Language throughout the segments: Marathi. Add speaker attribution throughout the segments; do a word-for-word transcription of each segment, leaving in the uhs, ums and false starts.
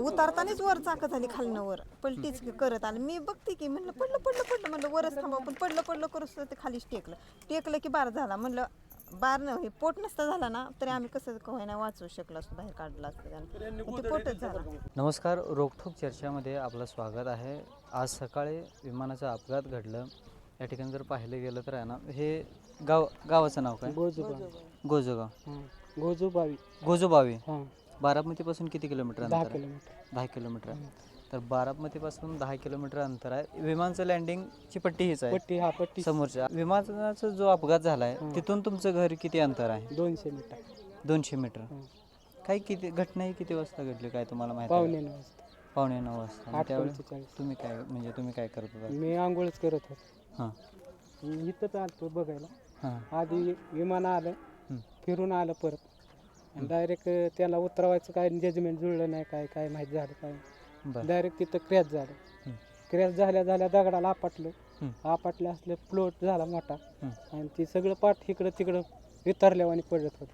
Speaker 1: उतारतानाच वर चाक झाली खालनं वर पलटीच करत आलं. मी बघते की म्हणलं पडलं पडलं पडलं म्हणलं वरच थांबा, पण पडलं पडलं करूच ते खालीच टेकलं टेकलं की बार झाला. म्हणलं बार न हे पोट नसता झाला ना तरी आम्ही कसं नाही वाचवू शकलो असतो, बाहेर काढलं असतं त्यानं, ते पोटच झाला.
Speaker 2: नमस्कार, रोखोक चर्चामध्ये आपलं स्वागत आहे. आज सकाळी विमानाचा अपघात घडलं. या ठिकाणी जर पाहिलं गेलं तर आहे ना, हे गाव गावाचं नाव काय?
Speaker 3: गोजोबावी.
Speaker 2: गोजोगाव.
Speaker 3: गोजोबावी.
Speaker 2: गोजोबावी.
Speaker 3: हां.
Speaker 2: बारामतीपासून किती किलोमीटर
Speaker 3: दहा
Speaker 2: अंतर आहे?
Speaker 3: किलोमीटर.
Speaker 2: दहा किलोमीटर तर बारामतीपासून दहा किलोमीटर अंतर आहे. विमानाचं लँडिंगची पट्टी हीच आहे.
Speaker 3: पट्टी हा पट्टी
Speaker 2: समोरच्या विमानाचा जो अपघात झाला आहे तिथून तुमचं घर किती अंतर आहे?
Speaker 3: दोनशे मीटर.
Speaker 2: दोनशे मीटर.
Speaker 3: हां.
Speaker 2: काही किती घटना ही किती वाजता घडली काय तुम्हाला माहिती आहे?
Speaker 3: पावणे नऊ वाजता.
Speaker 2: पावणे नऊ वाजता.
Speaker 3: आठ
Speaker 2: त्यावेळी
Speaker 3: पंचेचाळीस.
Speaker 2: तुम्ही काय म्हणजे तुम्ही काय करत होता?
Speaker 3: मी आंघोळच करत होतो.
Speaker 2: हां
Speaker 3: मी इथंच आलतो बघायला.
Speaker 2: हां
Speaker 3: आधी विमान आलं,
Speaker 2: हं.
Speaker 3: फिरून आलं परत आणि डायरेक्ट त्याला उतरवायचं काय जजमेंट जुळलं नाही, काय काय माहीत झालं काय.
Speaker 2: बरं.
Speaker 3: डायरेक्ट तिथं क्रॅश झालं.
Speaker 2: हं.
Speaker 3: क्रॅश झाल्या झाल्या दगडाला आपटलं.
Speaker 2: हं.
Speaker 3: आपटलं असलं फ्लोट झाला मोठा
Speaker 2: हं.
Speaker 3: आणि ती सगळं पाठ इकडं तिकडं वितरल्यावानी पडत होतं.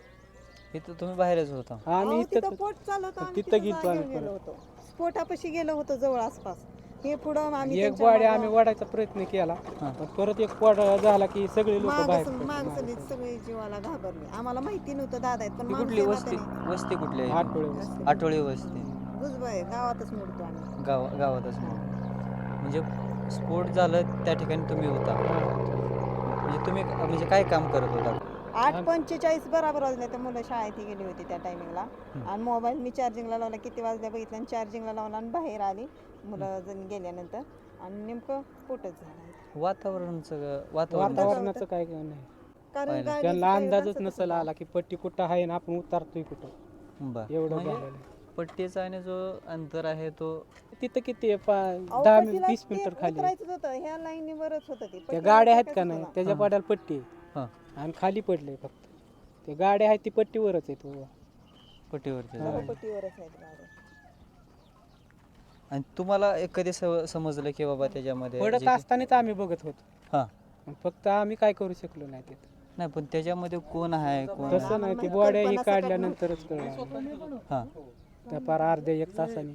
Speaker 2: इथं तुम्ही बाहेरच होता?
Speaker 3: आम्ही
Speaker 1: अहो, तिथं
Speaker 3: इथं
Speaker 1: पोट चालत आम्ही
Speaker 3: तिथं
Speaker 1: तिथं
Speaker 3: गेलो
Speaker 1: जागेवर
Speaker 3: आम्ही
Speaker 1: गेलो
Speaker 3: परत.
Speaker 1: होतो. स्फोटापाशी गेलो होतो जवळ आसपास. हे पुढं आम्ही
Speaker 3: एक
Speaker 1: त्यांच्या
Speaker 3: बॉडी
Speaker 1: मागं-
Speaker 3: आम्ही वाढायचा प्रयत्न केला,
Speaker 2: हां.
Speaker 3: पण परत एक बॉड झाला की सगळे लोक
Speaker 1: मागं
Speaker 3: बाहेर
Speaker 1: सग-
Speaker 3: पडले.
Speaker 1: मागं
Speaker 3: मागं
Speaker 1: सगळे
Speaker 3: पडले.
Speaker 1: सगळे जीवाला घाबरले. आम्हाला माहिती नव्हतं दादा आहेत पण
Speaker 2: ही
Speaker 1: माणूस
Speaker 2: कुठली
Speaker 1: आहे ना
Speaker 2: वस्ती?
Speaker 1: त्याने.
Speaker 2: वस्ती कुठली आहे?
Speaker 3: आठवडे वस्ती.
Speaker 2: आठवडी वस्ती.
Speaker 1: गुजबाई गावातच मोडतो आम्ही.
Speaker 2: गाव गावातच म्हणजे स्फोट झालं त्या ठिकाणी तुम्ही होता? म्हणजे तुम्ही म्हणजे काय काम करत होता?
Speaker 1: आठ पंचेचाळीस बराबर वाजले तर मुलं शाळेत गेली होती त्या टायमिंगला. आणि मोबाईल मी चार्जिंगला लावला, किती वाजल्या बघितलं आणि चार्जिंगला लावला आणि बाहेर आली मुलं जण गेल्यानंतर आणि नेमकं पोटच झालं.
Speaker 2: वातावरणाचं वातावरण
Speaker 3: वातावरणाचं काय काय नाही,
Speaker 1: कारण
Speaker 2: पाहिलं.
Speaker 1: गाडीचं
Speaker 3: त्यांना
Speaker 1: काही
Speaker 3: अंदाजच
Speaker 1: रस्ताच
Speaker 3: नसेल
Speaker 1: होता.
Speaker 3: आला की पट्टी कुठं आहे आणि आपण उतरतोय कुठं.
Speaker 2: बरं.
Speaker 3: एवढं
Speaker 2: म्हणजे
Speaker 3: झालेलं आहे.
Speaker 2: पट्टीचा आणि जो अंतर आहे तो
Speaker 3: तिथं किती आहे? पा-
Speaker 1: अहो,
Speaker 3: दहा
Speaker 1: पट्टीला
Speaker 3: वीस
Speaker 1: ते
Speaker 3: मीटर खाली
Speaker 1: उतरायचंच होतं, ह्या लाईनीवरच होतं ती.
Speaker 3: त्या
Speaker 1: पट्टीला
Speaker 3: गाड्या आहेत का
Speaker 1: टाकायचं
Speaker 3: नाही
Speaker 1: होतं
Speaker 3: त्याच्या
Speaker 2: हां.
Speaker 3: पाड्याला पट्टी आहे.
Speaker 2: हां
Speaker 3: आणि खाली पडले फक्त ते गाड्या आहेत ती पट्टीवरच आहेत उभ्या.
Speaker 2: पट्टीवरती
Speaker 1: ना.
Speaker 3: हां.
Speaker 2: झालं.
Speaker 1: पट्टीवरच आहेत गाड्या.
Speaker 2: आणि तुम्हाला एक कधी सव- समजलं की बाबा त्याच्यामध्ये
Speaker 3: पडत
Speaker 2: जे काही-
Speaker 3: असतानाच आम्ही बघत होतो,
Speaker 2: हां
Speaker 3: पण फक्त आम्ही काय करू शकलो नाही तिथं.
Speaker 2: नाही पण त्याच्यामध्ये कोण आहे कोण
Speaker 3: तसं
Speaker 2: आहे?
Speaker 3: नाही, ती
Speaker 1: माहित
Speaker 3: बॉड्या ही
Speaker 1: कल्पना सकट
Speaker 3: काढल्यानंतरच कळलं.
Speaker 2: हां
Speaker 3: त्या पार अर्ध्या एक तासाने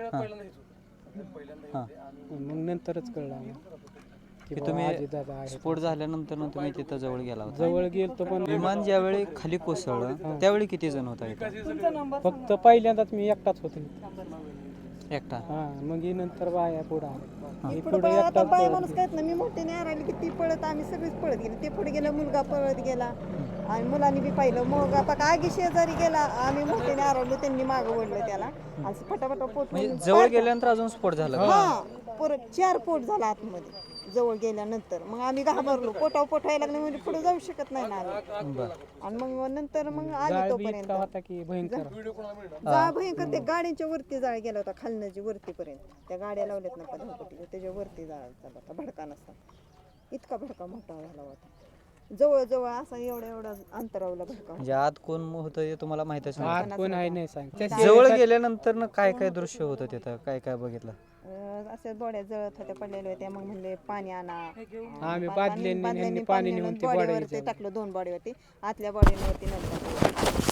Speaker 2: हां
Speaker 3: मग नंतरच कळलं आम्हाला की
Speaker 2: की
Speaker 3: बाबा
Speaker 2: तुम्ही
Speaker 3: आजीदादा आहेत.
Speaker 2: स्फोट झाल्यानंतर ना तुम्ही तिथं जवळ गेला होता.
Speaker 3: जवळ गेलतो पण
Speaker 2: विमान ज्यावेळी खाली कोसळलं त्यावेळी किती जण होता इथं?
Speaker 3: फक्त पहिल्यांदाच मी एकटाच होतो.
Speaker 2: एकटा?
Speaker 3: हा मग ही नंतर बाया पुढं आले. मी
Speaker 1: पुढं
Speaker 3: पुढे
Speaker 1: बाया- आता
Speaker 3: एकटाच
Speaker 1: बाया
Speaker 3: पळत
Speaker 1: माणूस काहीत नाही. मी मोठे नाही राहिली की ती पळत आम्ही सगळीच पळत गेलो. ते पुढे गेलं, मुलगा पळत गेला आणि मुलांनी बी पाहिलं. मग आता आगी शेजारी गेला, आम्ही मोठे नाही राहिलो, त्यांनी मागं ओढलं त्याला आणि फटाफटा पोट
Speaker 2: म्हणजे जवळ गेल्यानंतर अजून स्फोट झाला का?
Speaker 1: हा परत चार पोट झाला आतमध्ये जवळ गेल्यानंतर. मग आम्ही घाबरलो, पोटावर पोट व्हायला लागले म्हणजे पुढे जाऊ शकत नाही ना आम्ही.
Speaker 2: बरं.
Speaker 1: आणि मग नंतर मग आली
Speaker 3: जाळ बी
Speaker 1: तोपर्यंत
Speaker 3: इतका होता की भयंकर.
Speaker 1: जाळ भयंकर. ते गाडीच्या वरती जाळ गेला होता, खालनं जी वरतीपर्यंत त्या गाड्या लावल्यात ना पदापटी त्याच्या वरती जाळ चालला होता, भडका नसता. इतका भडका मोठा झाला होता, जवळ जवळ असा एवढा एवढा अंतरावला भडका.
Speaker 2: म्हणजे आत कोण होतं हे तुम्हाला माहितच नाही?
Speaker 3: आत कोण आहे नाही सांग.
Speaker 2: जवळ गेल्यानंतर ना काय काय दृश्य होतं तिथं? काय काय बघितलं?
Speaker 1: अं, असे बॉड्या जळत होत्या, पडलेल्या होत्या. मग म्हणले पाणी आणा.
Speaker 3: आम्ही
Speaker 1: पाणी-
Speaker 3: बादल्यांनी
Speaker 1: बादल्यांनी
Speaker 3: ह्यांनी
Speaker 1: पाणी
Speaker 3: पाणी
Speaker 1: आणून
Speaker 3: नेऊन ती
Speaker 1: बॉडीवरती
Speaker 3: बॉडी
Speaker 1: टाकलं, दोन बॉडीवरती. आतल्या बॉडीवरती नंतर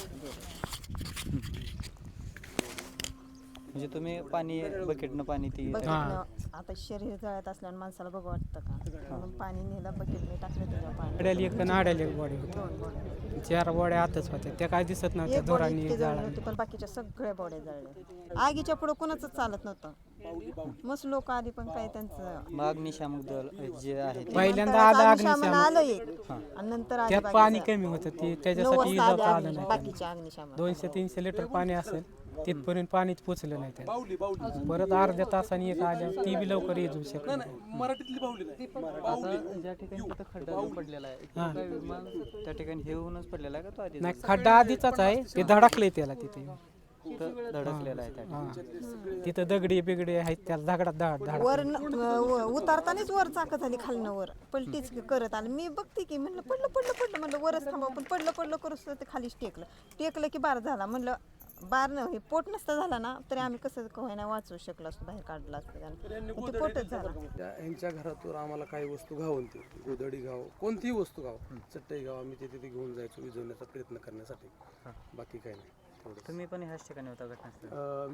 Speaker 2: म्हणजे तुम्ही पाणी बकेटनं पाणी ती
Speaker 1: बकेटनं. आता शरीर जळत असल्यानं माणसाला बघ वाटतं का, म्हणून पाणी नेलं बकेटने टाकलं त्याच्यावर पाणी.
Speaker 3: आड्याला एक आणि आड्याला एक बॉडी होती.
Speaker 1: दोन बॉडी,
Speaker 3: चार बॉड्या आतच होत्या, त्या काय दिसत नव्हत्या
Speaker 1: एक बॉडी
Speaker 3: धुरांनी
Speaker 1: इतकी जळली
Speaker 3: जाळा.
Speaker 1: होती पण बाकीच्या सगळ्या बॉड्या जळल्या. आगीच्या पुढं कोणाच चालत नव्हतं. मस्त लोक आधी पण काय त्यांचं
Speaker 2: मग अग्निशामक दल जे आहे ते-
Speaker 3: पहिल्यांदा आलं
Speaker 1: अग्निशामन
Speaker 3: अग्निशामक.
Speaker 1: आलं एक आणि नंतर आली
Speaker 3: त्यात
Speaker 1: बाकीचं.
Speaker 3: पाणी कमी होतं ती
Speaker 1: नऊ
Speaker 3: त्याच्यासाठी
Speaker 1: वाजता
Speaker 3: इजावता
Speaker 1: आली
Speaker 3: आलं
Speaker 1: अग्निशामन,
Speaker 3: नाही.
Speaker 1: बाकीच्या अग्निशामन.
Speaker 3: दोनशे तीनशे लिटर पाणी असेल तिथपर्यंत पाणीच पोचलं नाही त्याला. परत अर्ध्या तासाने एक आल्या, ती बी लवकर येऊ शकत नाही.
Speaker 2: आता ज्या ठिकाणी तिथं खड्डा जो पडलेला आहे तिथं काय विमान त्या ठिकाणी हे होऊनच पडलेला आहे का तो आधी
Speaker 3: नाही खड्डा आधीचाच आहे, ते धडकले त्याला तिथे.
Speaker 2: तिथं धडकलेला आहे त्या
Speaker 3: हा तिथं दगडी बिगडी आहेत त्याला दगडात धड धड
Speaker 1: वर न- व- उतारतानाच वर चाक झाली खालनं वर पलटीच करत आलं. मी बघते की म्हणलं पडलं पडलं पडलं म्हणलं वरच थांबा, पण पडलं पडलं करूच ते खालीच टेकलं टेकलं की बार झाला. म्हणलं बार न हे पोट नसता झाला ना तरी आम्ही कसं नाही वाचवू शकलो असतो, बाहेर काढलं असतं त्यानं, पण ते पोटच झाला.
Speaker 4: त्या यांच्या घरातून आम्हाला काही वस्तू घावून ती गोधडी घाव कोणतीही वस्तू घाव चटई घाव आम्ही ते तिथे घेऊन जायचो विझवण्याचा प्रयत्न करण्यासाठी, बाकी काही नाही.
Speaker 2: तुम्ही पण ह्याच ठिकाणी होता घटनास्थळी?
Speaker 4: अं, मी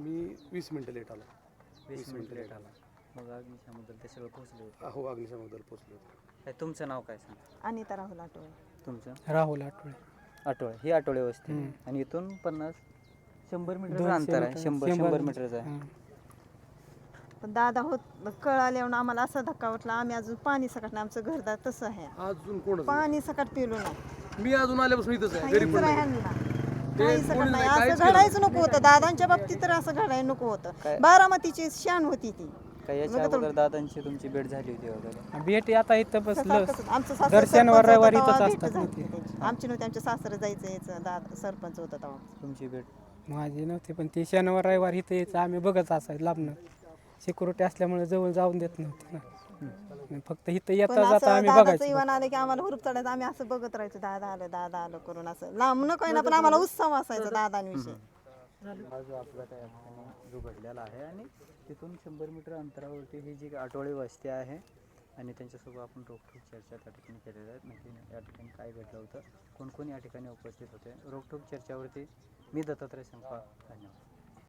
Speaker 4: वीस मिनिटं लेट आला.
Speaker 2: वीस मिनिट लेट आला. मग अग्निशामकदल ते सगळं पोहोचले होते.
Speaker 4: हो अग्निशामक दल पोचले होते.
Speaker 2: काय तुमचं नाव काय सांग?
Speaker 1: अनिता राहुल आठवले.
Speaker 2: तुमचं?
Speaker 3: राहुल आठवले.
Speaker 2: आठवळे. ही आठवळे वस्ती
Speaker 3: हम्म.
Speaker 2: आणि इथून पन्नास शंभर मीटरचं
Speaker 3: दोनशे
Speaker 2: अंतर आहे.
Speaker 3: मीटर,
Speaker 2: शंभर
Speaker 3: शंभर
Speaker 2: शंभर
Speaker 3: मीटर.
Speaker 2: मीटरचं आहे.
Speaker 3: हं.
Speaker 1: पण दादा होत कळाल्यावर आम्हाला असा धक्का वाटला, आम्ही अजून पाणी सकट नाही, आमचं घरदार तसं आहे,
Speaker 4: अजून कोण
Speaker 1: पाणी सकट पिलो नाही.
Speaker 4: मी अजून आल्यापासून इथंच आहे, घरी
Speaker 1: काहीच
Speaker 4: पण नाही.
Speaker 1: राहिलं नाही.
Speaker 4: ते
Speaker 1: काही सकट
Speaker 4: कोणी
Speaker 1: नाही.
Speaker 4: नाही, काहीच
Speaker 1: असं
Speaker 4: केलं
Speaker 1: घडायचं नको होतं. दादांच्या बाबतीत तर असं घडायला नको होतं.
Speaker 2: काय?
Speaker 1: बारामतीची शान होती ती.
Speaker 2: काय याच्या अगोदर दादांची तुमची भेट झाली होती वगैरे?
Speaker 3: भेटी आता इथं बसलं
Speaker 1: सारखंच. आमचं सासर
Speaker 3: दर शनिवार
Speaker 1: सरपंच
Speaker 3: रविवारी
Speaker 1: होतं
Speaker 3: इथंच
Speaker 1: तेव्हा
Speaker 3: असतात
Speaker 1: भेट
Speaker 3: ना
Speaker 1: झाली
Speaker 3: ते.
Speaker 1: त्यांची. आमची नव्हती, आमच्या सासरे जायचं यायचं, दादा सरपंच होता तेव्हा.
Speaker 2: तुमची भेट?
Speaker 3: माझी नव्हती पण ते शनिवार रविवार इथं यायचं, आम्ही बघत असायचं लांबनं. सिक्युरिटी असल्यामुळे जवळ जाऊन देत नव्हते ना. फक्त इथं
Speaker 1: पण
Speaker 3: येता
Speaker 1: असं
Speaker 3: जाता आम्ही
Speaker 1: दादाचं
Speaker 3: बघायचं.
Speaker 1: इव्हान आलं की आम्हाला हुरूप चढायचं, आम्ही असं बघत राहायचो, दादा आलं दादा आलं करून, असं लांब न काही ना पण आम्हाला उत्सव असायचा दादांविषयी.
Speaker 2: हा जो अपघात आहे जो घडलेला आहे आणि तिथून शंभर मीटर अंतरावरती ही जी आठवडी वस्ती आहे आणि त्यांच्यासोबत आपण रोखठोक चर्चा त्या ठिकाणी केलेल्या आहेत. नक्की या ठिकाणी काय घडलं होतं, कोण कोण या ठिकाणी उपस्थित होते, रोखठोक चर्चावरती मी दत्तात्रय संपा. धन्यवाद.